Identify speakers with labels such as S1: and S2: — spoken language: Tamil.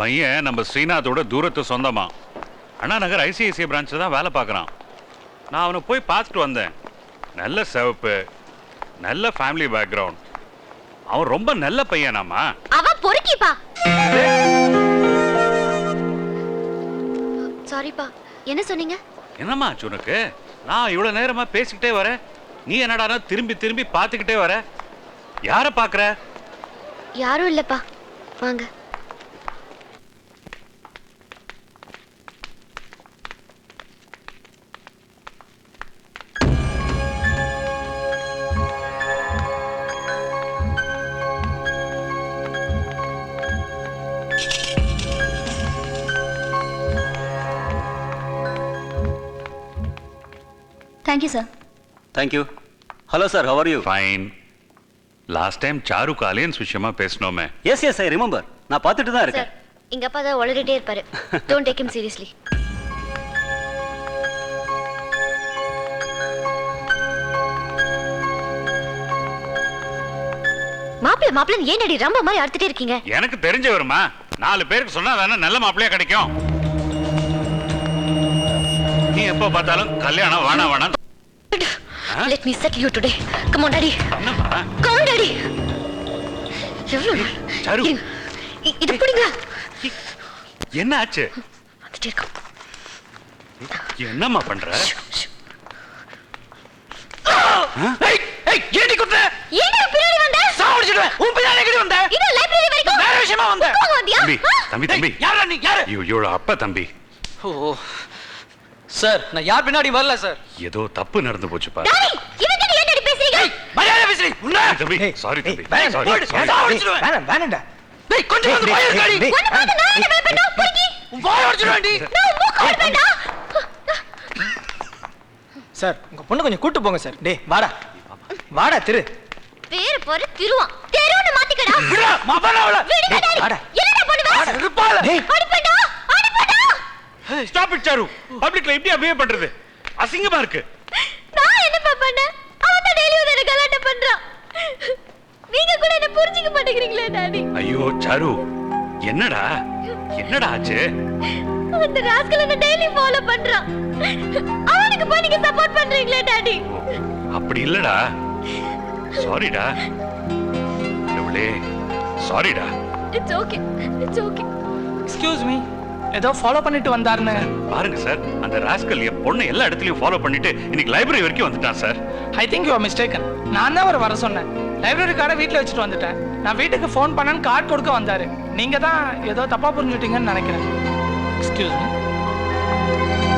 S1: பையன் நம்ம ஸ்ரீநாத்தோட தூரத்து சொந்தமா. அண்ணா நகர் ஐசிஐசிஐ பிரான்ச்சில் தான் வேலை பார்க்குறான். நான் அவனை போய் பார்த்துட்டு வந்தேன். நல்ல சிவப்பு, நல்ல ஃபேமிலி பேக்ரவுண்ட். அவன் ரொம்ப நல்ல பையனாமா.
S2: அவன் பொறுக்கிப்பா. சாரிப்பா, என்ன சொன்னீங்க?
S1: என்னம்மா ஆச்சு உனக்கு? நான் இவ்வளவு நேரமா பேசிக்கிட்டே வரேன், நீ என்னடா திரும்பி திரும்பி பார்த்துக்கிட்டே வர? யாரை பார்க்குற?
S2: யாரும் இல்லப்பா, வாங்க.
S3: Thank you, sir.
S4: Thank you. Hello, sir. How are you?
S1: Fine. Last time சாருக்கு அலையன்ஸ் விஷயமா பேசணுமே.
S4: Yes, yes, I remember. நான் பார்த்துட்டு தான் இருக்கேன்.
S2: சார், இங்க அப்பா தான் ஒளறிட்டே இருப்பாரு. Don't take him seriously. மாப்பிள்ளை ஏன் ரம்ப மாதிரி அறுத்துட்டே இருக்கீங்க?
S1: எனக்கு தெரிஞ்ச வருமா? 4 பேருக்கு சொன்னா தானே நல்ல மாப்பிள்ளையா கிடைக்கும். நீ எப்போ பார்த்தாலும் கல்யாணம் வேணா.
S2: Let me settle you today. Come on, Daddy. Come on, Daddy.
S1: Charu,
S2: இது புடிங்க.
S1: என்ன ஆச்சு?
S2: வந்துட்டே இருக்க.
S1: என்னம்மா பண்ற?
S5: ஏய் ஏய் ஏடி குத்த?
S2: ஏடி பின்னாடி வந்த?
S5: சாவடிச்சிடுவேன். உன் பின்னாடி எங்கடி வந்த?
S2: இது லைப்ரரி வரைக்கும்.
S5: வேற விஷயமா வந்த?
S1: தம்பி.
S5: யாரா நீ? யாரு?
S1: இவளோட அப்பா தம்பி.
S5: ஓ சார், நான் யார் பின்னாடி வரல சார்.
S1: ஏதோ தப்பு நடந்து போச்சு பாரு.
S2: டாடி, இவங்கிட்ட ஏன் பேசுறீங்க?
S5: மரியாதை பேசுறீ. உன்ன
S1: தம்பி, சாரி தம்பி.
S5: வேணாம்டா. டேய் கொஞ்சம் வந்து போய் இருக்காடி.
S2: உன்னை பார்த்து நான் என்ன பயப்படணும்? புரிக்கி.
S5: உன் வாய் உடைச்சிடுவேன்டி.
S2: நான் மூக்கு உடைப்பேன்டா.
S6: சார், உங்க பொண்ணு கொஞ்சம் கூட்டி போங்க சார். டேய் வாடா திரு.
S2: பேர் போற திருவான். தெருவுன்னு மாத்திக்கடா.
S5: விடா மவனவள.
S2: விடுங்க டாடி. என்னடா பண்ணுவ?
S5: இருப்பால.
S2: அடிப்படா.
S1: Stop it Charu. பப்ளிக்ல இப்படி பிஹேவ் பண்றது அசிங்கமா இருக்கு.
S2: நான் என்ன பண்ணேன்? அவன் தான் டெய்லி வந்து கலாட்டா பண்றான். நீங்க கூட என்ன புரிஞ்சிக்க மாட்டேங்கிறீங்களே டாடி.
S1: ஐயோ சாரு, என்னடா ஆச்சு?
S2: அந்த ராஸ்கல் என்ன டெய்லி ஃபாலோ பண்றான். அவனுக்கு போய் நீங்க சப்போர்ட் பண்றீங்களே டாடி.
S1: அப்படி இல்லடா. சாரிடா. எவ்வளே சாரிடா.
S2: It's okay.
S6: Excuse me. ஏதோ ஃபாலோ பண்ணிட்டு வந்தாருன்னு.
S1: பாருங்க சார், அந்த ராஸ்கல் என் பொண்ணு எல்லா இடத்துலயும் ஃபாலோ பண்ணிட்டு இன்னைக்கு லைப்ரரி வரைக்கும் வந்துட்டான் sir.
S6: I think you are mistaken. நான் தான் வர சொன்னேன். லைப்ரரி கார்டை வீட்டில் வச்சுட்டு வந்துட்டேன். நான் வீட்டுக்கு ஃபோன் பண்ணேன்னு கார்டு கொடுக்க வந்தாரு. நீங்க தான் ஏதோ தப்பா புரிஞ்சுட்டீங்கன்னு நினைக்கிறேன். Excuse me.